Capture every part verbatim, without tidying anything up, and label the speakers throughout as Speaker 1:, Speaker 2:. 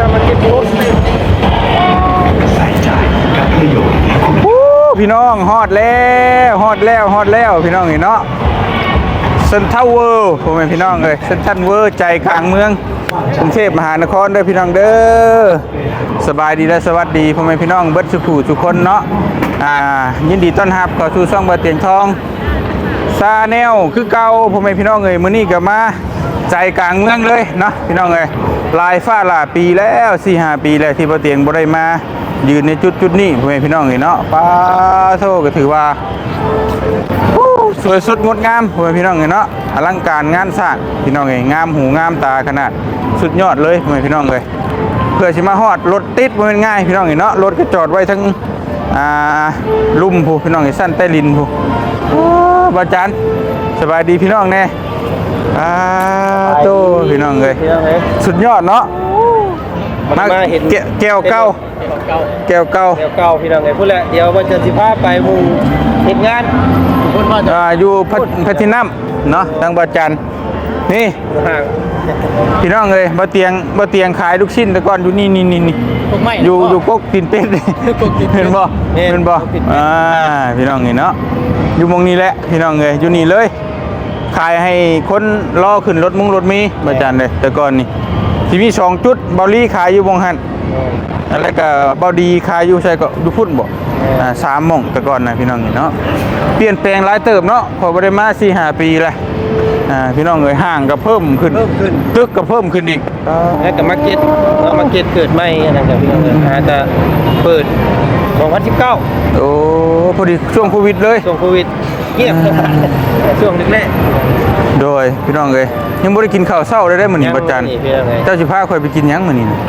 Speaker 1: มาเก็ตบูธ
Speaker 2: ใส่ใจกับประโยชน์
Speaker 3: พี่น้องฮอดแล้วฮอดแล้วฮอดแล้วพี่น้องเห็นเนาะเซ็นทรัลเวิลด์ผมเป็นพี่น้องเลยเซ็นทรัลเวิลด์ใจกลางเมืองกรุงเทพมหานครเด้อพี่น้องเด้อสบายดีและสวัสดีผมเป็นพี่น้องเบิร์ดสุขูทุกคนเนาะอ่ายินดีต้อนรับเข้าสู่ช่องเบอร์เตียงทองซาแนลคือเก่าผมเป็นพี่น้องเลยมื้อนี้ก็มาใจกลางเมืองเลยเนาะพี่น้องเลยลายฟ้าหลาปีแล้วสี่ห้าปีแล้วที่เบอร์เตียงบ่ได้มายืนในจุดจุดนี้ผมเป็นพี่น้องเลยเนาะป้าโทก็ถือว่าสวยสดงดงามผมเป็นพี่น้องเลยเนาะอลังการงานสร้างพี่น้องเลยงามหูงามตาขนาดสุดยอดเลยผมเป็นพี่น้องเลยเพื่อสิมาฮอดรถติดบ่แม่นง่ายพี่น้องเลยเนาะรถก็จอดไว้ทั้งอ่าลุ่มผู้พี่น้องเลยสั้นใต้ลินผู้บ่จันสบายดีพี่น้องแน่อ่าโตพี่น้องเลยสุดยอดเนาะมาเห็นแก้วเก้าแก้วเก้า
Speaker 1: แก้วเก้าพี่น้องไงพูดแหละเดี๋ยวว่าจะสิพาไปหมู่เฮ็ดงานคนมาจะ
Speaker 3: อยู่พัทนัมเนาะทางบ่จันนี่
Speaker 1: ห่าง
Speaker 3: พี่น้องเลยบ่เตียงบ่เตียงขายลูกชิ้นแต่ก่อนอยู่นี่นี่นี่นี่อยู่อยู่กกตีนเป็ดเห็นบ่เห็นบ่อ่าพี่น้องนี่เนาะอยู่มองนี้แหละพี่น้องเลยอยู่นี่เลยขายให้คนรอขึ้นรถมุ้งรถมีบ่จันเลยแต่ก่อนนี่ที่มีสองจุดเบาลี่ขายอยู่วงหันแล้วก็เบาดีขายอยู่ใช่ก็ดูพุ่นบ่อ่าสามหม่องแต่ก่อนนะพี่น้องนี่เนาะเปลี่ยนแปลงหลายเติบเนาะพอบ่ได้มาสี่ห้าปีแล้วอ่าพี่น้องเอ้ยห้างก็เพิ่มขึ้นตึกก็เพิ่มขึ้นอีก
Speaker 1: แล้วก็มาร์เก็ตเอามาร์เก็ตเกิดใหม่นั่นก็พี่น้องเอ้ยอาจจะเปิดสองพันสิบเก้า
Speaker 3: โอ้พอดีช่วงโควิดเลย
Speaker 1: ช่วงโควิดเงียบช่วงแรก
Speaker 3: โดยพี่น้องเอ้ยยังบ่ได้กินข้าวเช้าได้ได้มื้อนี้บ่จันเจ้าสิพาข่อยไปกินหยังมื้อนี้น่ะ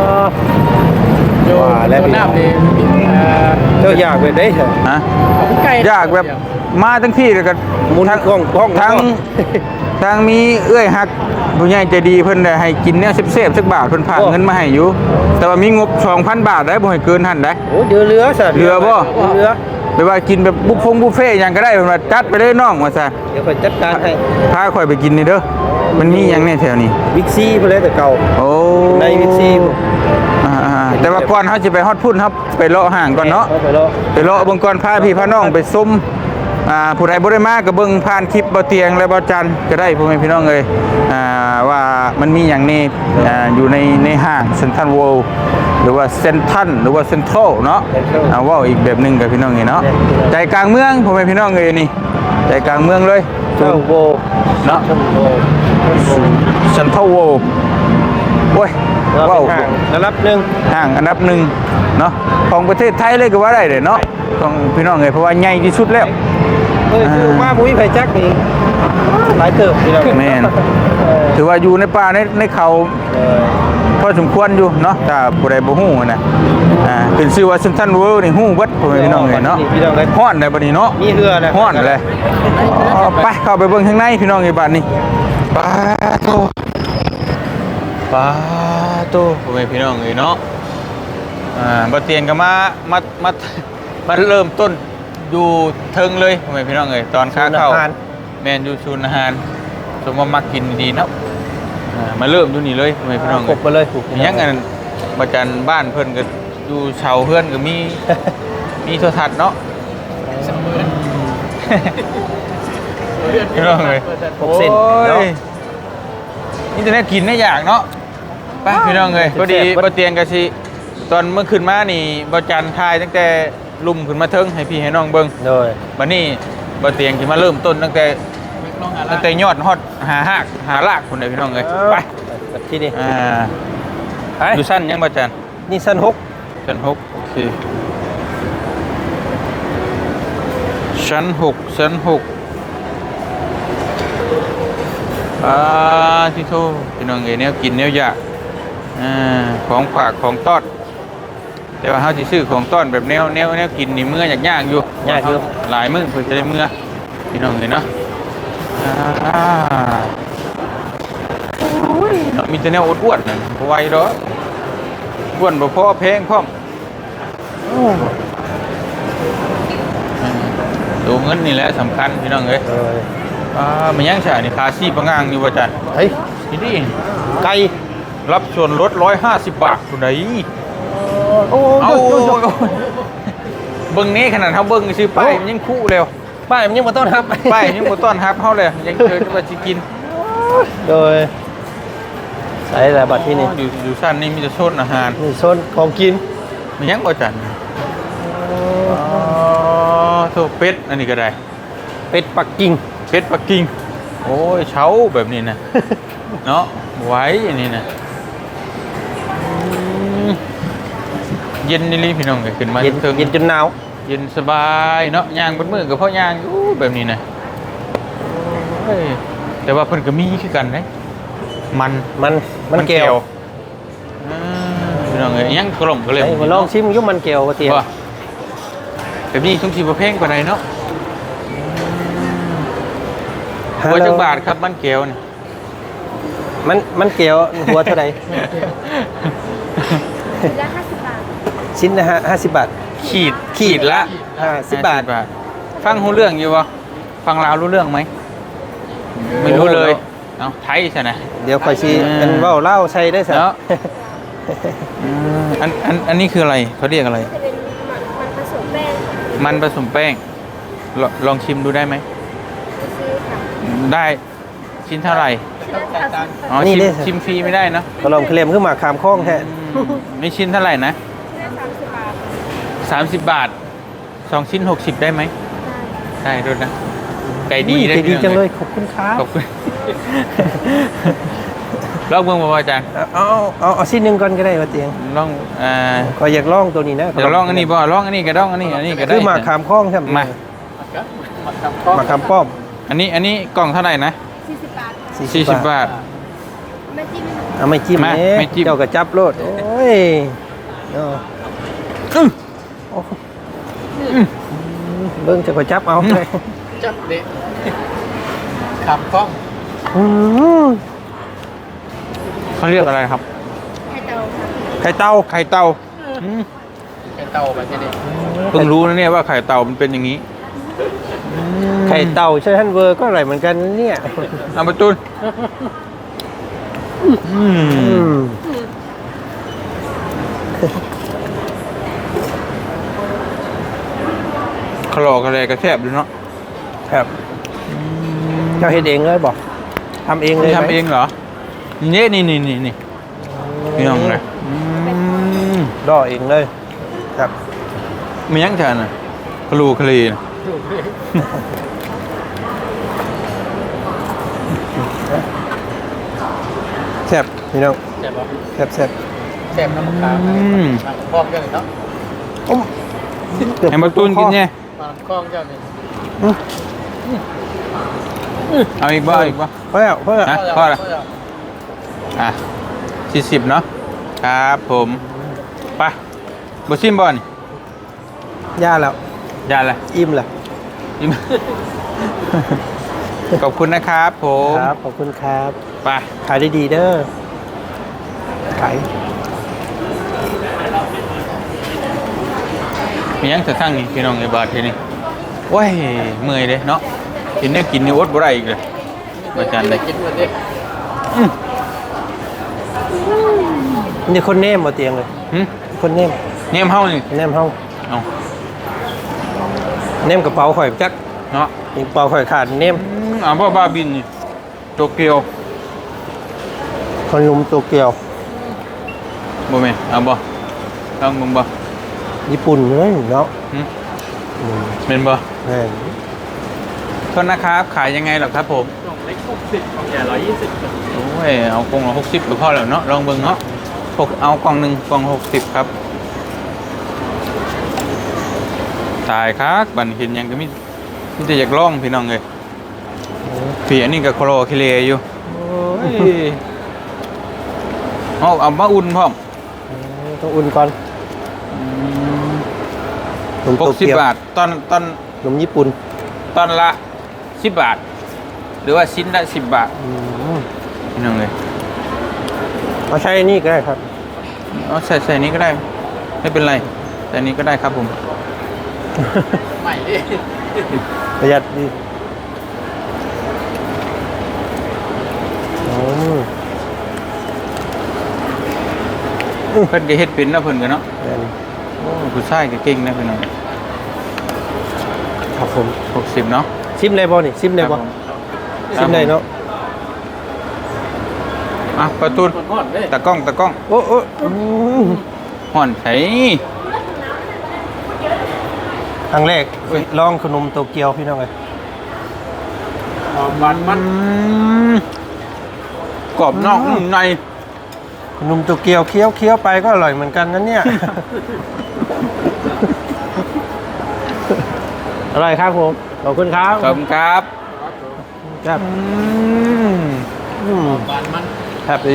Speaker 1: ว่าแล้วพี่น้ำนี่เจ้าอยากไปได้เหรอฮะ
Speaker 3: อยากแบบมาทั้งพี่แล้วก็
Speaker 1: ทั้งห้องห้อง
Speaker 3: ทั้งทั้งมีเอื้อยฮักผู้ใหญ่ใจดีเพิ่นได้ให้กินแนวเซฟๆสักบาทเพิ่นฝากเงินมาให้อยู่แต่ว่ามีงบ สองพัน บาทได้บ่ให้เกินหั่นได้
Speaker 1: โอ้เดือเหลือซะ
Speaker 3: เหลือบ่
Speaker 1: เหลือ
Speaker 3: ไปว่ากินแบบบุฟฟงบุฟเฟ่หยังก็ได้เพิ่นว่าจัดไปเลยน้องว่าซั่น
Speaker 1: เดี๋ยวข่อยจัดการให้
Speaker 3: พาข่อยไปกินนี่เด้อมันมีหยังแน่แถวนี้
Speaker 1: บิ๊กซีพุ่นเลยแต่เก่า
Speaker 3: โอ้
Speaker 1: ในบิ๊กซี
Speaker 3: อ่าแต่ว่าก่อนเฮาสิไปฮอดพุ่นครับไปเลาะห้างก่อนเนาะ
Speaker 1: ไปเลาะ
Speaker 3: ไปเลาะเบิ่งก่อนพาพี่พาน้องไปซุ่มอ่าผู้ใดบ่ได้มาก็เบิ่งผ่านคลิปบ่เตียงและบ่จันก็ได้พ่อแม่พี่น้องเอ้ยอ่าว่ามันมีหยังนี่อ่าอยู่ในในห้างเซ็นทรัลเวิลด์หรือว่าเซ็นทรัลหรือว่าเซ็นทรัลเนาะเอาว่าอีกแบบนึงกับพี่น้องนี่เนาะใจกลางเมืองพ่อแม่พี่น้องเอ้ยนี่ใจกลางเมืองเลย
Speaker 1: เซ็นทรัลเวิลด์
Speaker 3: เนาะเซ็นทรัลเวิลด์โอ้ยว้าว
Speaker 1: อันดับหนึ่ง
Speaker 3: ห้างอันดับหนึ่งเนาะของประเทศไทยเลยก็ว่าได้เลยเนาะของพี่น้องเอ้ยเพราะว่าใหญ่ที่สุดแล้ว
Speaker 1: เออคือว่าผู้มีไผจักนี่หลายเติบพี่น้อง
Speaker 3: แม่นถือว่าอยู่ในป่าในในเขาพอสมควรอยู่เนาะถ้าผู้ใดบ่ฮู้นะอ่าเป็นชื่อว่าเซ็นทรัลเวิลด์นี่ฮู้เบิดพ่อแม่พี่น้องเอ้ยเนาะฮ้อนได้บัดนี้เนาะ
Speaker 1: มีเหือ
Speaker 3: แล้วฮ้อนเลยไปเข้าไปเบิ่งข้างในพี่น้องเอ้ยบัดนี้ปาโตปาโตพ่อแม่พี่น้องเอ้ยเนาะอ่าบ่เตียนก็มามามามาเริ่มต้นอยู่เทิงเลยพ่อแม่พี่น้องเอ้ยตอนค้าเข้าแม่นอยู่ศูนย์อาหารสมว่ามักกินดีเนาะมาเริ่มอยู่นี่เลยพ่อแม่พี่น้อง
Speaker 1: กบมาเลยถูก
Speaker 3: ยังอันประจันบ้านเพิ่นก็อยู่เสาเพื่อนก็มีมีโทรทัศน์เนาะพี่น้องเอ้ย
Speaker 1: หกเซนเนาะ
Speaker 3: นี่จะได้กินได้อย่างเนาะไปพี่น้องเอ้ยพอดีบ่เตียงก็สิตอนเมื่อคืนมานี่บ่จันทายตั้งแต่ลุ่มขึ้นมาเทิงให้พี่ให้น้องเบิ่ง
Speaker 1: โดย
Speaker 3: บัดนี้บ่เตียงสิมาเริ่มต้นตั้งแต่ตั้งแต่ยอดฮอดหาหากหารากพุ่นเด้อพี่น้องเอ้ยไป
Speaker 1: ที่นี่
Speaker 3: อ่าอยู่ชั้นยังบ่จัน
Speaker 1: นี่ชั้นหก
Speaker 3: ชั้นหกโอเคชั้นหกชั้นหกอ่าที่โทพี่น้องเอ้ยแนวกินแนวอยากอ่าของฝากของต้อนแต่ว่าเฮาสิซื้อของต้อนแบบแนวแนวแนวกินนี่มื้อยากๆอยู่
Speaker 1: ยากอยู่
Speaker 3: หลายมื้อเพิ่นจะได้มื้อพี่น้องเอ้ยเนาะอ่าโอ้ยมีแต่แนวอ้วนๆนั่นบ่ไหวดอกอ้วนบ่พอแพงพร้อมโอ้ตัวเงินนี่แหละสำคัญพี่น้องเอ้ย
Speaker 1: เออ
Speaker 3: อ่ามันยังใช่นี่คาซี่ปะงางอยู่บ่จัน
Speaker 1: เฮ้ย
Speaker 3: นี่ดิ
Speaker 1: ไก่
Speaker 3: รับส่วนลดร้อยห้าสิบบาทคุณไหน
Speaker 1: โอ้
Speaker 3: เอา
Speaker 1: โห
Speaker 3: เบิ้งนี้ขนาดเขาเบิ้งซื้อไปมันยังคู่เร็ว
Speaker 1: ป้ายมันยังมาต้อนรับ
Speaker 3: ไปยังบ่ต้อนรับเขาเลยยังเจอจะมาสิกิน
Speaker 1: โดยใส่แต่บัตรที่นี่
Speaker 3: อยู่อยู่ชั้นนี้มีแต่โซนอาหาร
Speaker 1: นี่โซนของกิน
Speaker 3: มียังบ่จันอ๋อโทเป็ดอันนี้ก็ได้
Speaker 1: เป็ดปักกิ่ง
Speaker 3: เป็ดปักกิ่งโอ้ยเช้าแบบนี้นะ เนาะไว้อันนี้นะอืมเย็นนี่ลิพี่น้องก็ขึ้นมา
Speaker 1: เย็น
Speaker 3: เทิง
Speaker 1: เย็นจนหนาว
Speaker 3: เย็นสบายเนาะย่างบนมือกับพ่อย่างอยู่แบบนี้นะเฮ้ยแต่ว่าเพิ่นก็มีคือกันนะมัน
Speaker 1: มันมันแก้ว
Speaker 3: อ่าพี่น้องเอ้ยยังกล่อมก็เลย
Speaker 1: ไอ้มาลองชิมอยุ่มันแก้วว่าเตียง
Speaker 3: ว่าแบบนี้ทุกทีบ่แพงกว่าใดเนาะหัวจักบาทครับมันแก้วนี่
Speaker 1: มันมันแก้วหัวเท่าไหร่
Speaker 4: ละห้าสิบบาท
Speaker 1: ชิ้นนะฮะห้าสิบบาท
Speaker 3: ขีดขีดละ
Speaker 1: ห้าสิบบาท
Speaker 3: ห้สิฟังรู้เรื่องอยู่บ่ฟังลาวรู้เรื่องไหมไม่รู้เลยเอ้าไทยใช่ไหม
Speaker 1: เดี๋ยวคอยชี้
Speaker 3: อ่า
Speaker 1: เป็นเว่าเล่าใช้ได้สัก
Speaker 3: เนาะ อันอันอันนี้คืออะไรเขาเรียกอะไร
Speaker 4: จะเป็นมันมันผสมแป้ง
Speaker 3: มันผสมแป้งลองลองชิมดูได้ไหม
Speaker 4: ซื้อค่ะ
Speaker 3: ได้ชิ้นเท่าไหร่
Speaker 4: ชิ้นละสามสิบ
Speaker 3: อ๋อชิมชิมฟรีไม่ได้เนอะ
Speaker 1: ก็ลองเคลมขึ้นมาขามคล้องแท้
Speaker 3: ไม่ชิ้นเท่าไหร่นะ
Speaker 4: ชิ้นละสามสิบบาท
Speaker 3: สามสิบบาทสองชิ้นหกสิบได้ไหมได้ด้วยนะไก่ดีได้
Speaker 1: ใจดีจังเลยขอบคุณครับ
Speaker 3: ขอบคุณ ลองเบิ่งบ่อาจารย์
Speaker 1: เอาเอาเอาเอาชิ้นหนึ่งก่อนก็ได้ว่าเตียง
Speaker 3: ลองอ่า
Speaker 1: ก็อยากลองตัวนี้นะ
Speaker 3: เดี๋ยวลองอันนี้บ่ลองอันนี้ก็ลองอันนี้อันนี้ก็ได้
Speaker 1: คือมาขามคล้องใช่ไหม
Speaker 3: มา
Speaker 1: มาขามป้อม
Speaker 3: อันนี้อันนี้กล่องเท่าไหร่นะ
Speaker 4: สี่สิบบาทค่ะ
Speaker 3: สี่สิบบาท
Speaker 4: ไม่จิ้ม
Speaker 1: เอาไม่จิ้ม
Speaker 3: มา
Speaker 1: เอ๊ะ
Speaker 3: ไม่จิ้ม
Speaker 1: เจ้ากระจับโลดโอ้ยเอา
Speaker 3: อื้อ
Speaker 1: โอ้เบิ้งจะกระจับเอาเลย
Speaker 2: จับเด็กขับกล้อง
Speaker 1: อืม
Speaker 3: เขาเรียกอะไรครับ
Speaker 4: ไข่เตาค่ะ
Speaker 3: ไข่เต่าไข่เต่าอืม
Speaker 2: ไอ้เต่าแบบนี้
Speaker 3: เพิ่งรู้นะเนี่ยว่าไข่เต่ามันเป็นอย่างนี้
Speaker 1: ไข่เต่าใช่ท่านเวอร์ก็อร่อยเหมือนกันเนี่ย
Speaker 3: เอาประตูนอื
Speaker 1: อื
Speaker 3: ม
Speaker 1: ม
Speaker 3: ขลอกอะไรกระแทบเลยเนาะ
Speaker 1: ครับเจ้าเฮ็ดเองเลยบอกทำเองเลย
Speaker 3: นี่
Speaker 1: ไหม
Speaker 3: ทำเองเหรอนี่นี่นี่นี่นี่พี่น้องเลยอืม
Speaker 1: ด่อเองเลยครับ
Speaker 3: มียังฉันอ่ะคลูคลีนะ
Speaker 1: แซ่บพี่น้อง
Speaker 2: แซ่บปะ
Speaker 1: แซ่บแซ่บ
Speaker 2: แซ่บน้ำมะขาม
Speaker 3: อืม
Speaker 2: มาคล้องเจ้าเลยเนาะ
Speaker 1: อ้มเกือบ
Speaker 3: ให้ประตูนกินเนี่ย
Speaker 2: มาคล้องเจ้าเลย
Speaker 3: เอาอีกบ้าอีกบ้า
Speaker 1: พอแล้วพอแล้ว
Speaker 3: ฮะ พอละ อ่ะสี่สิบเนาะครับผมไปบุชิมบอล
Speaker 1: ย่าแล้ว
Speaker 3: ยาอะไร
Speaker 1: อิ่มแล้ว
Speaker 3: อิ่ม ขอบคุณนะครับผม
Speaker 1: ครับขอบคุณครับ
Speaker 3: ไป
Speaker 1: ขายได้ดีเด้อขาย
Speaker 3: มียังจะทั้งนี่พี่น้องไอ้บาททีนี่โอ้ยเมื่อยเลยเนาะกินเนี่ยกินนี่อดบ่ได้อีกเลยอาจารย์เลย
Speaker 2: กินวันนี้
Speaker 1: นี่คนเนมมาเตียงเลย
Speaker 3: หึ
Speaker 1: คนเนม
Speaker 3: เนี่ยมเฮานี่
Speaker 1: เนมเฮา
Speaker 3: เอา
Speaker 1: เนมกระเป๋าข่อยจัก
Speaker 3: เนาะ
Speaker 1: นี่กระเป๋าข่อยขาดเนม
Speaker 3: อืมอ่าบ่บาบินนี่โตเกียว
Speaker 1: คนหนุ่มโตเกียว
Speaker 3: บ่แม่นเอาบ่ลองมึงบ่
Speaker 1: ญี่ปุ่นเลยเนาะ
Speaker 3: หึ
Speaker 1: อืม
Speaker 3: เป็นบ่
Speaker 1: แม่น
Speaker 3: โทษนะครับขายยังไงหรอครับผม
Speaker 2: กล่องเล็กหกสิบกล่องใหญ่ร้อยยี่สิบ
Speaker 3: โอ้ยเอากล่องละหกสิบก็พอแล้วเนาะลองเบิ่งเนาะหกเอากล่องหนึ่งกล่องหกสิบครับตายครับบันเห็นหยังก็มีมีแต่อยากลองพี่น้องเลยพี่อันนี้ก็โคโลคิเลอยู่โอ้ยเอาเอามาอุ่นพร้อม
Speaker 1: ต้องอุ่นก่อนหนุ่ม
Speaker 3: ห
Speaker 1: โต
Speaker 3: กสิบ
Speaker 1: เกียว
Speaker 3: บาทตอนตอน
Speaker 1: หนุ่มญี่ปุ่น
Speaker 3: ตอนละสิบบาท หรือว่าชิ้นละสิบบาท
Speaker 1: อืม
Speaker 3: พี่น้องเลย
Speaker 1: เอาใช้นี่ก็ได้ครับ
Speaker 3: เอาใส่ใส่นี้ก็ได้ ไม่เป็นไรใส่นี้ก็ได้ครับผม
Speaker 2: ใหม่ดิ
Speaker 1: ประหยัดดีอืม
Speaker 3: เพิ่นก็เฮ็ดเป็นแล้วเพิ่นก็เนาะ
Speaker 1: แม่น
Speaker 3: โอ้ผู้ชายก็เก่งนะพี่น้อง
Speaker 1: ครับผม
Speaker 3: หกสิบเนาะ
Speaker 1: ซิมได้บ่นี่ซิมได้บ่ซิมได้เนาะ
Speaker 3: อ่ะประตูตะกล้องตะกล้อง
Speaker 1: โอ้โอ้อืม
Speaker 3: ห่อนไผ
Speaker 1: ครั้งแรกลองขนมโตเกียวพี่น้องเอ้ย
Speaker 3: มันมันกรอบนอกนุ่มใน
Speaker 1: ขนมโตเกียวเคี้ยวเคี้ยวไปก็อร่อยเหมือนกันนะเนี่ย อร่อยครับผมขอบคุณครับ
Speaker 3: ขอบคุณครับ
Speaker 1: ครับ
Speaker 3: อืม
Speaker 1: อืมครับดี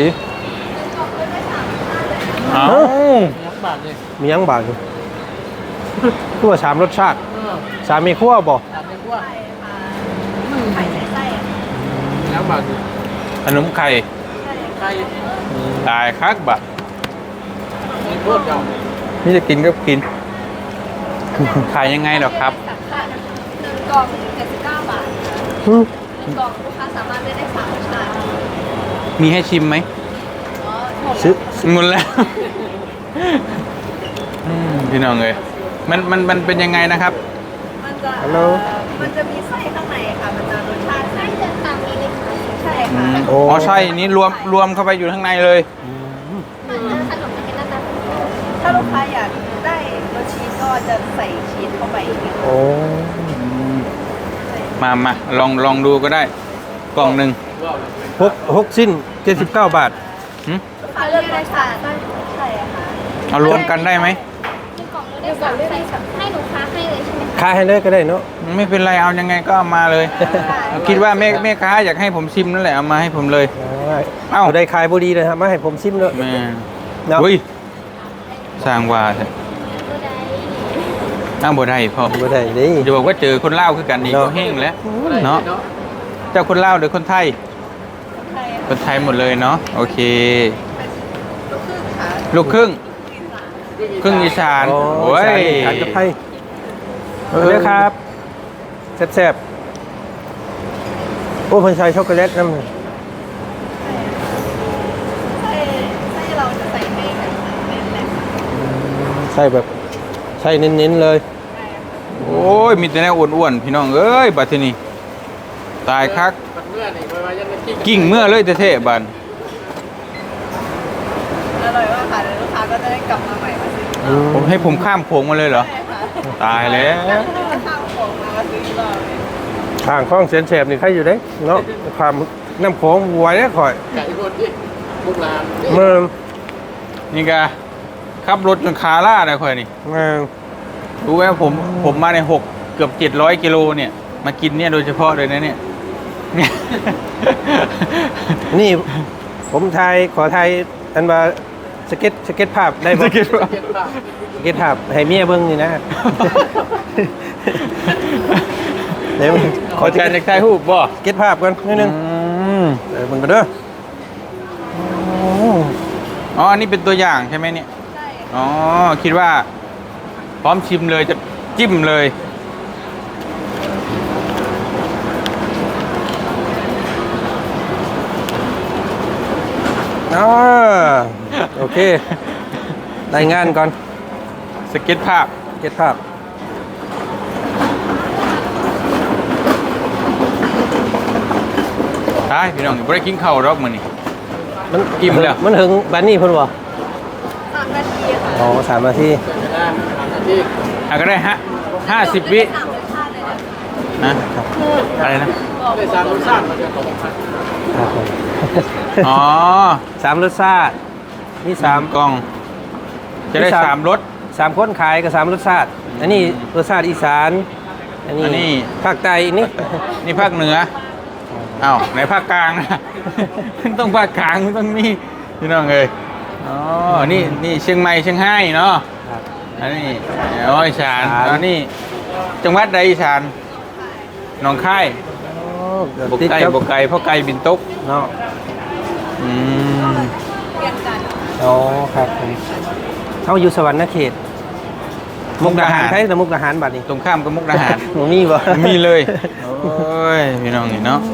Speaker 3: เอ้า
Speaker 1: มียังบางอยู่ขั้วสามรสชาติสามมีขั้วบ่
Speaker 4: ไข่ใส่ไส้อะ
Speaker 3: ขนมไข่ตายคักบะนี่จะกินก็กิน ขายยังไงหรอครับ
Speaker 4: หนึ่งกล่องเจ็ดสิบเก้าบาท
Speaker 1: อืม
Speaker 4: หนึ่งกล่องลูกค้าสามารถเลือกได้สามรสชาติ
Speaker 3: มีให้ชิมไหม
Speaker 4: อ๋อหมด
Speaker 1: ซื้อ
Speaker 3: หมดแล้วอืมพี่น้องเลยมันมันมันเป็นยังไงนะครับ
Speaker 4: มันจะ
Speaker 1: ฮัลโหล
Speaker 4: มันจะมีไส้ข้างในค่ะ มันจะรสชาติไส้จะต่างมีเล็กน้อยใช่
Speaker 3: อื
Speaker 4: ค่ะ
Speaker 3: มอ๋อใช่นี่รวมรวมเข้าไปอยู่ข้างในเลย
Speaker 4: มันจะขนมจะเป็นหน้าตาถ้าลูกค้าอยากได้รสชีสก็จะใส่ชีสเข้าไปอีก
Speaker 1: โอ้
Speaker 3: มามาลองลองดูก็ได้ กล่องหนึ่ง
Speaker 1: หกหกสิ้นเจ็ดสิบเก้าบาท
Speaker 3: หึ
Speaker 4: ลูกค้าเลือกได้ค่ะใช่ค่ะ
Speaker 3: เอารวมกันได้ไหม
Speaker 4: หนึ่งกล่องเลือกได้สามไส้ค่ะให้ลูกค้าให้เลยใช่ไหมคะ
Speaker 1: ขายให้เลยก็ได้เนาะ
Speaker 3: ไม่เป็นไรเอายังไงก็เอามาเลย คิดว่าแม่แม่ค้าอยากให้ผมชิมนั่นแหละเอามาให้ผมเลย เอ้า
Speaker 1: เอ้าได้ขายบุรีเลยครับมาให้ผมซิมเลย
Speaker 3: แม่
Speaker 1: เนาะ
Speaker 3: อุ้ยสร้างว่าเถอะอ้าวบ่ได้พ่อ
Speaker 1: บ่ได้นี่
Speaker 3: จะบอกว่าเจอคนเล่าวคือกันดี
Speaker 1: เนาะ
Speaker 3: ก็แห้งแล้วเนาะเจ้าคนเล่าวหรือคนไทย
Speaker 4: ใช่
Speaker 3: คนไทยหมดเลยเนาะโอเค
Speaker 4: ลูกครึ่งค่ะ
Speaker 3: ลูกครึ่งครึ่งอีสาน
Speaker 1: โอ้
Speaker 3: โอ้ย
Speaker 1: ขายกับไทยเออครับแซ่บๆโอ้เพิ่นใส่ช็อกโกแลตนำ
Speaker 4: ไส้ไส้เราจะใส่ให้แบบเน้นๆเลยค่ะ
Speaker 1: ใส่แบบใส่เน้นๆเลย
Speaker 3: โอ้ยมีแต่แนวอ้วนๆพี่น้องเอ้ยบัดทีนี้ตายคักกิ่งเมื่อเลยเท่ๆบัด
Speaker 4: อร่อยมากค่ะเดี๋ยวลูกค้าก็จะได้กลับมาใหม่มาซื้อ
Speaker 3: ผมให้ผมข้ามโขงมาเลยเหรอ
Speaker 4: ใช่ค่ะ
Speaker 3: ตายแล้ว
Speaker 4: ข้าวของมาซื้ออีกรอบเลย
Speaker 1: ทางคลองเสียนแสบนี่ใครอยู่เด้เนาะความน้ำโขงไหวได้ข่อย
Speaker 5: ไก่คนที่มุกลาน
Speaker 1: เมือง
Speaker 3: นี่กะขับรถจนขาล่าเลยค่อยนี่
Speaker 1: เมือง
Speaker 3: รู้ไหมผมผมมาในหกเกือบเจ็ดร้อยกิโลเนี่ย มากินเนี่ยโดยเฉพาะเลยนะเนี่ย เนี่ย
Speaker 1: นี่ผมทายขอทายอันว่าสเก็ตสเก็ตภาพได้บ่
Speaker 3: จะคิดว่า
Speaker 5: เก็บปาก
Speaker 1: สเก็ตภาพให้เมียเบิ่งนี่นะเดี๋ยว
Speaker 3: ขอแทนเด็กไทยฮูบบ่
Speaker 1: สเก็ตภาพก่อนนิดนึง
Speaker 3: อืม
Speaker 1: เดี๋ยวเบิ่งกันเด้อโอ้
Speaker 3: อ๋ออันนี้เป็นตัวอย่างใช่ไหมเนี่ย
Speaker 4: ใช่
Speaker 3: อ๋อคิดว่า พร้อมชิมเลยจะจิ้มเลย
Speaker 1: อ่าโอเครายงานก่อน
Speaker 3: สเก็ตภาพ
Speaker 1: สเก็ตภาพ
Speaker 3: ใช่พี่น้องบ่ได้กินข้าวหรอกมื้อนี้
Speaker 1: มัน
Speaker 3: อิ่มแล้ว
Speaker 1: มันถึงบัดนี้เพิ่นบ่
Speaker 4: สามนาทีค่ะ
Speaker 1: อ๋อสามนาที
Speaker 5: เกิดได้ทำหน้าที่
Speaker 3: อ่ะก็ได้ฮะห้าสิบวิ
Speaker 4: สามรสชาติเลยนะ
Speaker 3: นะอะไรนะ
Speaker 5: ได้สามรสชาติมาจากของพัน
Speaker 1: ครับผม
Speaker 3: อ๋อ
Speaker 1: สามรสชาตินี่สาม
Speaker 3: กล่อง จะได้
Speaker 1: มีสาม
Speaker 3: สามรส
Speaker 1: สามคนขายกับสามรสชาติ อันนี้รสชาติอีสาน อันนี้
Speaker 3: อันนี้
Speaker 1: ภาคใต้อันนี้
Speaker 3: นี่ภาคเหนืออ้าวในภาคกลางนะ ต้องภาคกลางต้องนี่พี่น้องเอ้ยอ๋อ นี่นี่เชียงใหม่เชียงรายเนาะ
Speaker 1: ครับ
Speaker 3: อันนี้อ๋ออีสาน
Speaker 1: อีสาน
Speaker 3: อันนี้จังหวัดใดอีสานหนองคาย
Speaker 1: โอ้เกือบบ
Speaker 3: ก
Speaker 1: ติด
Speaker 3: ไก่
Speaker 1: ครับ
Speaker 3: บกไก่เพราะไก่บินตก
Speaker 1: เนาะ
Speaker 3: อืม
Speaker 4: เรียนกัน
Speaker 1: อ๋อครับผมเขาอยู่สวรรค์เขต มุกดาหารใช่แต่มุกดาหารบัดนี้
Speaker 3: ตรงข้ามกับมุกดาหาร
Speaker 1: หนูมีบ่
Speaker 3: มีเลย โอ้ย พี่น้องนี่เนาะ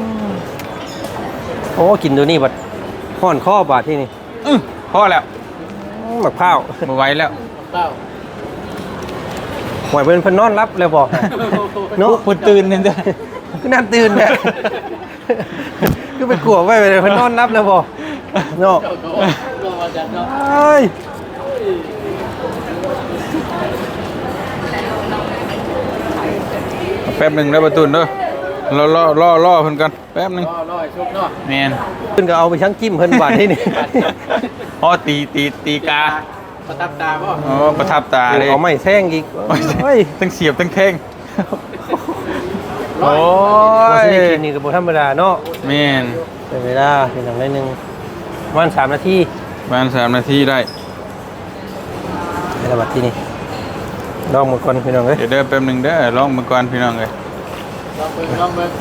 Speaker 1: โอ้กินดูนี่บัดห้อนข้อบาดที่นี่
Speaker 3: อื้อพอแล้ว
Speaker 1: อืมหมักข้าว
Speaker 3: บ่ไหวแล้ว
Speaker 5: เต้า
Speaker 1: หวยเพิ่นเพิ่นนอนรับเลยบ่เนาะ
Speaker 3: เพิ่นตื่นนี่เด้อ
Speaker 1: ก็น่าตื่นแหละคือไปกลัวไว้เลยเพิ่นนอนรับเลยบ่เนาะ
Speaker 5: เจ้าก็ก็มาจากเนาะ
Speaker 1: เอ้ย
Speaker 3: แป๊บหนึงเด้อประตูนเด้อรอรอรอรอเพิ่นก่อนแป๊บหนึง
Speaker 5: รอรอให้ชุบเนาะ
Speaker 3: แม่น
Speaker 1: เพิ่นก็เอาไปชั่งจิ้มเพิ่นบาดที่นี่
Speaker 3: อ๋อตีตีตีกา
Speaker 5: ประทับตาบ่
Speaker 3: อ๋อประทับตาเลย
Speaker 1: เอาไม้แซงอีกเฮ้ย
Speaker 3: ทั้งเสียบทั้งแทง
Speaker 5: ร้
Speaker 3: โอ้
Speaker 1: บ่
Speaker 3: ย
Speaker 1: สิได้กินนี่ก็บ่ธรรมดาเนาะ
Speaker 3: แม่น
Speaker 1: เป็นเวลาเป็นอย่างไรหนึงประมาณสามนาที
Speaker 3: ประมาณสามนาทีได้
Speaker 1: ในระบัดที่นี่ลองหมดก่อนพี่น้องเอ้ย
Speaker 3: เดี๋ยวเด้อแป๊บหนึงเด้อลองมาก่อนพี่น้องเอ้ย
Speaker 5: ลองเบิ่งลองเบิ่ง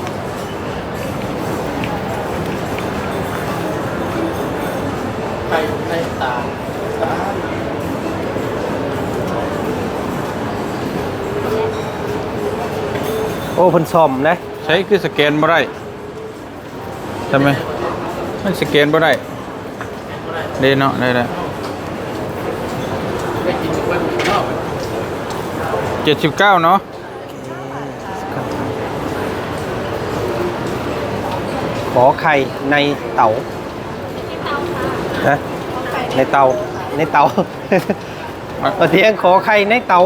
Speaker 5: ไข่ในตา
Speaker 1: โอ้เพิ่นซ่อมนะ
Speaker 3: ใช้คือสแกนบ่ได้ทำไมมันสแกนบ่ได้เด้เนาะได้แล้ว
Speaker 5: ได้กินทุกวันเนาะ
Speaker 3: เจ็ดสิบเก้าเนาะ
Speaker 1: ขอไข่ในเต๋านะในเตาในเตาเอาเทียงขอไข่ในเตา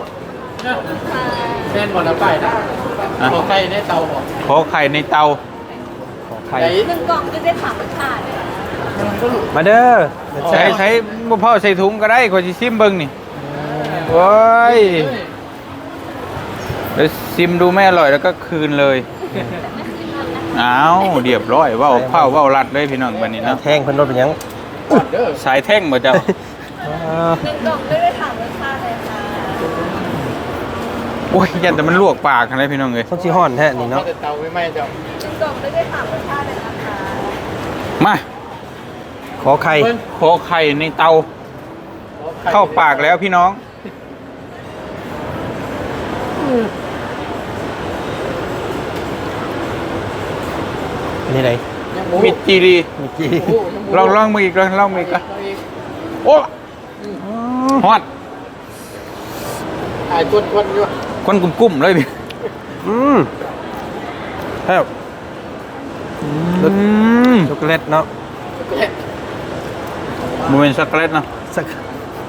Speaker 5: แม่นบ่ละไปนะขอไข่ในเตาบ่
Speaker 3: ขอไข่ในเตา
Speaker 1: ขอไข่
Speaker 5: ไข่
Speaker 4: หนึ่งกล่องจะได้สามรสชาติ
Speaker 1: มาเด้อ
Speaker 3: ใช้ใช้บ่พอใส่ถุงก็ได้ขอสิซิมเบิ่งนี่โอ้ยเดี๋ยวซิมดูไม่อร่อยแล้วก็คืนเลยอ้าวเรียบร้อยเว้าเผาเว้ารัดเลยพี่น้องบัดนี้เนาะ
Speaker 1: แทงเพิ่นรถเป็นหยัง
Speaker 5: เด้อ
Speaker 3: สายแท่งบ่เจ้า
Speaker 4: หนึ่งกล่องจะได้สามรสชาติเลยค่ะ
Speaker 3: โอ้ยยันแต่มันลวกปากอะไรพี่น้องเอ้ย
Speaker 1: ต้นสิฮ้อนแท้นี่
Speaker 5: เนาะ
Speaker 1: เนาะ
Speaker 5: เตาไม่ไหม้เจ้า
Speaker 4: หนึ่งกล่องจะได้สามรสชาติเลยนะคะ
Speaker 3: มา
Speaker 1: ขอไข่
Speaker 3: ขอไข่ในเตาเข้าปากแล้วพี่น้อง
Speaker 1: นี่ไหน
Speaker 3: มิดจีรี
Speaker 1: เมื่อกี้
Speaker 3: ลองลองมืออีกลองลองมืออีกก่อนโอ้ฮอด
Speaker 5: ไอ้กวนๆอยู่
Speaker 3: ควันกุ้มๆเลยพี่
Speaker 1: อืมแซ่บ
Speaker 3: อืม
Speaker 1: ช็อกโกแลตเนาะ
Speaker 3: มันเป็นช็อกโกแลตเนาะ
Speaker 1: สัก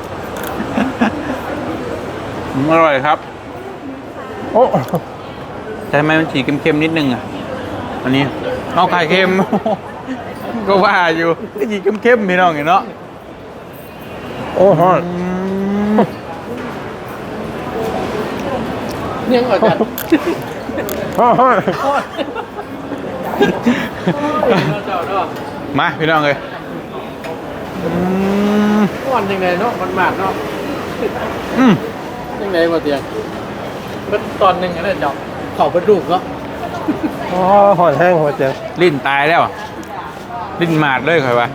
Speaker 3: อืมอร่อยครับ
Speaker 1: โอ้
Speaker 3: แต่ทำไมมันสีเค็มๆนิดนึงอ่ะอันนี้เอาไข่เค็ม ก็ว่าอยู่ก็สีเค็มๆพี่น้องเห็นเนาะ
Speaker 1: โอ้ฮ้อน
Speaker 3: อืม
Speaker 5: ยังอ่อนกัน
Speaker 1: ฮ้อนฮ้อน
Speaker 5: เจ้าเนาะ
Speaker 3: มาพี่น้องเลยอืม
Speaker 5: อ่อนยังไงเนาะมันมากเนาะ
Speaker 3: อืม
Speaker 5: ยังไงบ่เตียงมันตอนหนึงนั่นเจ้าเข้าไปดูเนาะ
Speaker 1: อ๋อฮ้อนแห้งหัวเจัง
Speaker 3: ลิ้นตายแล้วอะลิ้นหมาดเลยค่อยว่า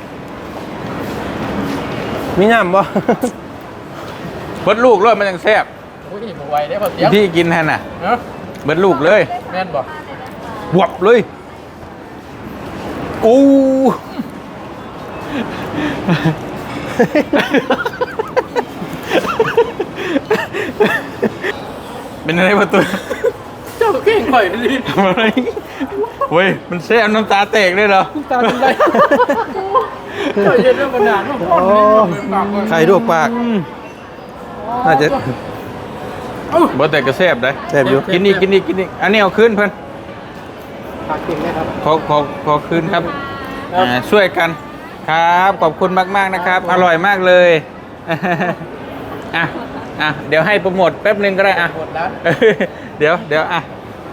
Speaker 1: มีน้ำบ่
Speaker 3: เบิดลูกเลยมันยังแซ่บ
Speaker 5: โอ้ยบ่ไหวได้บ่เตียง
Speaker 3: พี่กินแทนน่ะ
Speaker 5: เนาะ
Speaker 3: เบิดลูกเลย
Speaker 5: แม่นบ่
Speaker 3: บวบเลยอู้ เป็นอะไรประตู
Speaker 5: เจ้าเก่งข่อยดิ
Speaker 3: ทำอะไรเว้ยมันแซ่บน้ำตาแตกเลยเหรอ
Speaker 5: ตาเป็นไรเจ้าเย็นเรื่องมานานว่าอ่อนนี่มันปากว่า
Speaker 1: ไข่ลวกปากน่าจะ
Speaker 3: บ่แต่ก็แซ่บได้
Speaker 1: แซ่บอยู่
Speaker 3: กินอีกกินอีกกินอีกอันนี้เอาคืนเพิ่น
Speaker 5: ปากกินไหมครับ
Speaker 3: ขอขอขอคืนครับ
Speaker 5: ครับ
Speaker 3: อ่าช่วยกันครับขอบคุณมากๆนะครับ อร่อยมากเลย อ่ะอ่ะเดี๋ยวให้โปรโมทแป๊บหนึงก็ได้อ่ะ
Speaker 5: หมดแล้ว
Speaker 3: เดี๋ยวเดี๋ยวอ่ะ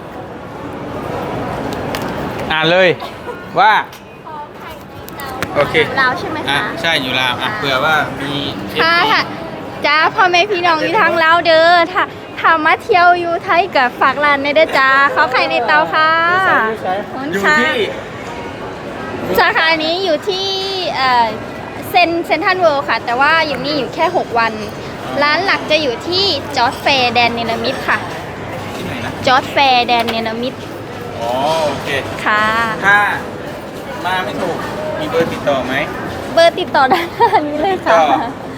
Speaker 3: อ่านเลยว่า โอเค
Speaker 4: ลาวใช่ไหม
Speaker 3: อ่ะ
Speaker 4: คะ
Speaker 3: ใช่อยู่ลาวอ่ะเผื่อว่ามี
Speaker 4: ค่ะค่ะจ้าพ่อแม่พี่น้องอยู่ทางลาวเด้อถ้าถ้ามาเที่ยวอยู่ไทยกับฝากร้านในเด้อจ้าเขาไข่ในเตาค่ะขอบคุณ
Speaker 3: อยู่
Speaker 4: ค่ะ
Speaker 3: ที่
Speaker 4: สาขานี้อยู่ที่เอ่อเซนเซนทันเวิลด์ค่ะ แต่ว่าอยู่นี่อยู่แค่ หก วัน ร้านหลักจะอยู่ที่จอร์จแฟร์แดนเนลมิดค่ะ
Speaker 3: ที่ไหนนะ
Speaker 4: จอร์จแฟร์แดนเนลมิด
Speaker 3: อ๋อโอเค
Speaker 4: ค่ะ
Speaker 3: ถ้ามาไม่ถูกมีเบอร์ติดต่อไหม
Speaker 4: เบอร์ติดต่อด้านหน้านี้เลยค่ะ
Speaker 3: ก็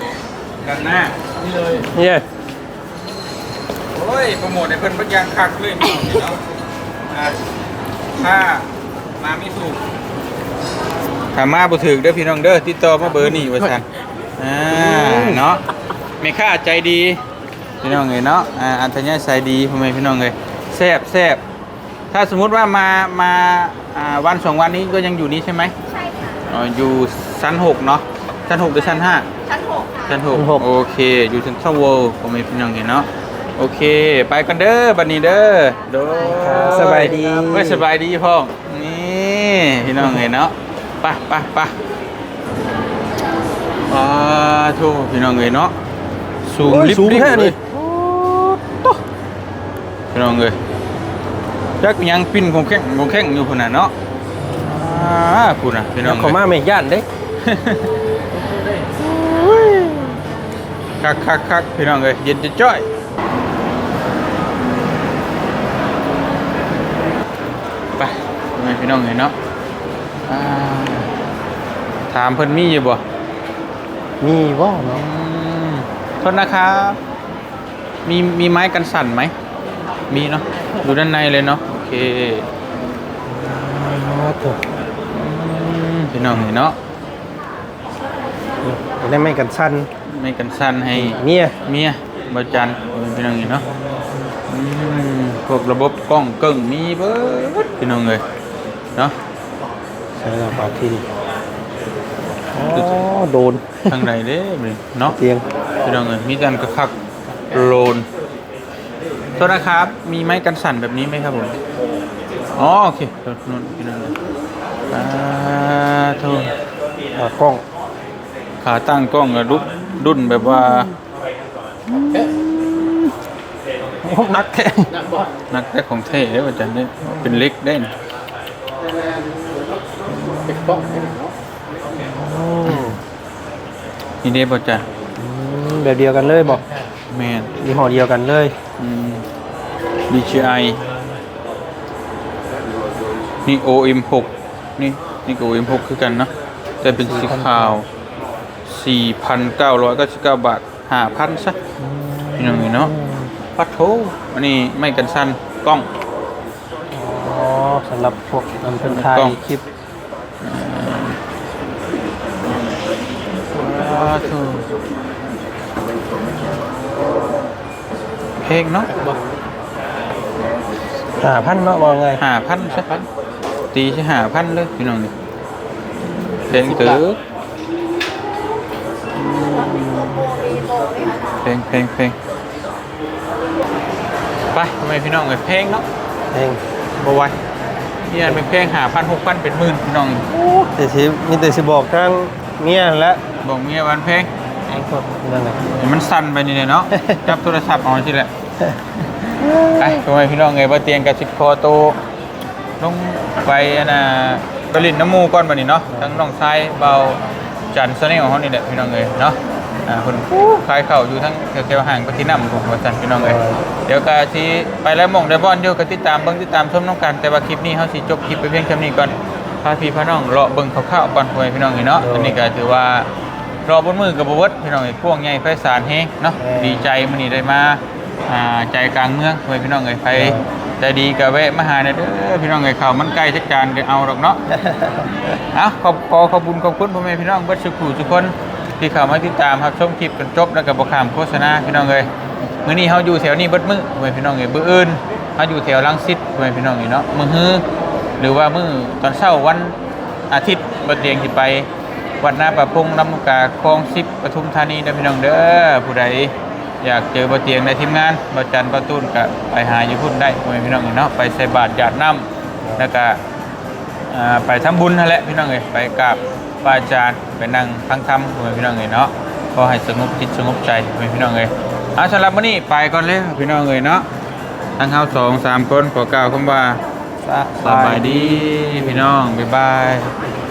Speaker 3: กันหน้า
Speaker 5: นี่เลย
Speaker 1: เนี่ย
Speaker 3: โอ้ยโปรโมทในเพิ่นบักอย่างคักเลยพี่น้องเนาะอ่าถ้ามาไม่ถูกถ้ามาบ่ถูกเด้อพี่น้องเด้อติดต่อมาเบอร์นี้ว่าซั่นอ่าเนาะแม่ค้าใจดีพี่น้องเอ้ยเนาะอ่าอัธยาศัยดีพ่อแม่พี่น้องเอ้ยแซ่บแซ่บถ้าสมมุติว่ามามาอ่าวันสองวันนี้ก็ยังอยู่นี้ใช่ไหม
Speaker 4: ใช่ค่ะ
Speaker 3: อ๋ออยู่ชั้นหกเนาะชั้นหกหรือชั้นห้า
Speaker 4: ชั้นหกค่ะ
Speaker 3: ชั้นหกโอเคอยู่ชั้นสองเวิลด์พ่อแม่พี่น้องเห็นเนาะโอเคไปกันเด้อบัดนี้เด้อโดย
Speaker 1: สบายดี
Speaker 3: เว้ยสบายดีพ่อนี่พี่น้องเห็นเนาะไปไปไปอ่าโธ่พี่น้องเห็นเนาะสูง
Speaker 1: โอ้ย
Speaker 3: ลิบ
Speaker 1: สูง
Speaker 3: ลิบ
Speaker 1: แค่
Speaker 3: เล
Speaker 1: นี้
Speaker 3: ยพี่น้องเอ้ยจักยังปิ้นคงแข้งคงแข้งอยู่พุ่นน่ะเนาะอ่าพุ่นน่ะพี่น้อง
Speaker 1: เขามาไม่ย่านเด้
Speaker 3: คักคักคักพี่น้องเอ้ยเย็นจะจ้อยไปพี่น้องเห็นเนาะอ่าถามเพิ่นมีอยู่บ่
Speaker 1: มีว่เนาะ
Speaker 3: อืมโทษนะครับมีมีไม้กันสั่นไหมมีเนาะอยู่ด้านในเลยเนาะโอเคอืมพี่น้องเห็นเนาะ
Speaker 1: ได้ไม่กันสั้น
Speaker 3: ไม่กันสั่นให้
Speaker 1: เมีย
Speaker 3: เมียบาจันพี่น้องเห็นเนาะอืมพวกระบบกล้องเกิ้งมีเบิดพี่น้องเลยเนาะ
Speaker 1: ใช่แล้วบาทีนี่อ๋อโดน
Speaker 3: ทางใดเด้นี่เนาะ
Speaker 1: เตียง
Speaker 3: พี่น้องเลยมีการกระคักโลนโทษนะครับมีไม้กันสั่นแบบนี้ไหมครับผมอ๋อโอเคโทษนู่นพี่น้องเลยอ่าโทษ
Speaker 1: อ่ากล้อง
Speaker 3: ขาตั้งกล้องกับรุ่นรุ่นแบบว่า
Speaker 1: โอ้นักแท้
Speaker 5: นักบอล
Speaker 3: นักแต่ของเท่เด้อาจารย์เนี่ยเป็นเล็กได้นะ
Speaker 5: เป็นป้อง
Speaker 1: อืม
Speaker 3: นี่เด้อาจารย์
Speaker 1: อืมแบบเดียวกันเลยบอก
Speaker 3: แมน
Speaker 1: ยี่ห้อเดียวกันเลย
Speaker 3: อืม ดี จี ไอ นี่ โอ เอ็ม หก นี่นี่ก็ โอ เอ็ม หก คือกันเนาะแต่เป็นสีขาว สี่พันเก้าร้อยเก้าสิบเก้า บาท ห้าพัน ซะนี่น้องนี่เนาะปัดโถอันนี้ไม่กันสั้นกล้อง
Speaker 1: อ๋อสำหรับพวกนำเป็นไทย
Speaker 3: กล้อง
Speaker 1: คลิป
Speaker 3: ปัดโถเพลงเนาะ
Speaker 1: หาพันเนาะว่าไง
Speaker 3: ห้าพันซะตีใช่ห้าพันเลยพี่น้องนี่เพลงเต๋อเพลงเพลงเพลงไปทำไมพี่น้องเอ้ยเพลงเนาะ
Speaker 1: เอง
Speaker 3: บ่ไหวนี่อันเป็นเพลงหาพันหกพันเป็นหมื่นพี่น้อง
Speaker 1: แต่สิมีแต่สิบอกทางเมียและ
Speaker 3: บอกเมียวันเพลง
Speaker 1: ไอ้พวกนั่นแหละ
Speaker 3: เห็นมันสั่นไปนี่เลยเนาะ จับโทรศัพท์เอาสิแหละไอ้ทำไมพี่น้องเอ้ยบ่เตียงกับสิบคอโตลงไปอันน่ะไปลินน้ำมูก่อนบัดนี้เนาะทั้งน้องชายเบาจันทร์เสน่ห์ของเฮานี่แหละพี่น้องเอ้ยเนาะอ่าเพิ่นขายข้าวอยู่ทั้งแถวๆห่างไปที่น้ำผมว่าจันพี่น้องเอ้ยเดี๋ยวก็สิไปแล้วหม่องได้บ่อนอยู่ก็ติดตามเบิ่งติดตามชมน้องกันแต่ว่าคลิปนี้เฮาสิจบคลิปไปเพียงแค่นี้ก่อนพาพี่พาน้องเลาะเบิ่งคร่าวๆก่อนพ่อแม่พี่น้องเอ้ยเนาะอันนี้ก็ถือว่ารอบนมือกับบเวิร์ดพี่น้องเอ้ยพวกใหญ่ไพศาลเฮงเนาะดีใจมื้อนี้ได้มาอ่าใจกลางเมืองพ่อแม่พี่น้องเอ้ยไปใจดีก็แวะมาหาได้เด้อพี่น้องเอ้ยข้าวมันไก่จักจานก็เอาดอกเนาะ เอาขอบขอขอบคุณขอบคุณพ่อแม่พี่น้องเบิดสุขุทุกคนที่เข้ามาติดตามรับชมคลิปกันจบแล้วก็บ่ข้ามโฆษณาพี่น้องเอ้ยมื้อนี้เฮาอยู่แถวนี้เบิดมื้อพ่อแม่พี่น้องเอ้ยมื้ออื่นเฮาอยู่แถวรังสิตพ่อแม่พี่น้องเอ้ยเนาะมื้อฮื้อหรือว่ามื้อตอนเช้าวันอาทิตย์บ่เตียงสิไปวัดนาประพงลำลูกกาคลองสิบปทุมธานีเด้อพี่น้องเด้อผู้ใดอยากเจอบ่เตียงในทีมงานบ่จันบ่ตูนก็ไปหาอยู่พุ่นได้พ่อแม่พี่น้องเอ้ยเนาะไปใส่บาตรหยาดน้ำแล้วก็ อ่าไปทำบุญนั่นแหละพี่น้องเอ้ยไปกราบพระอาจารย์ไปนั่งฟังธรรมพี่น้องเอ้ยเนาะขอให้สงบจิตสงบใจพี่น้องเอ้ยเอาสำหรับมื้อนี้ไปก่อนเลยพี่น้องเอ้ยเนาะทั้งเฮาสองสามคนขอกล่าวคำว่าสบายดีพี่น้องบ๊ายบาย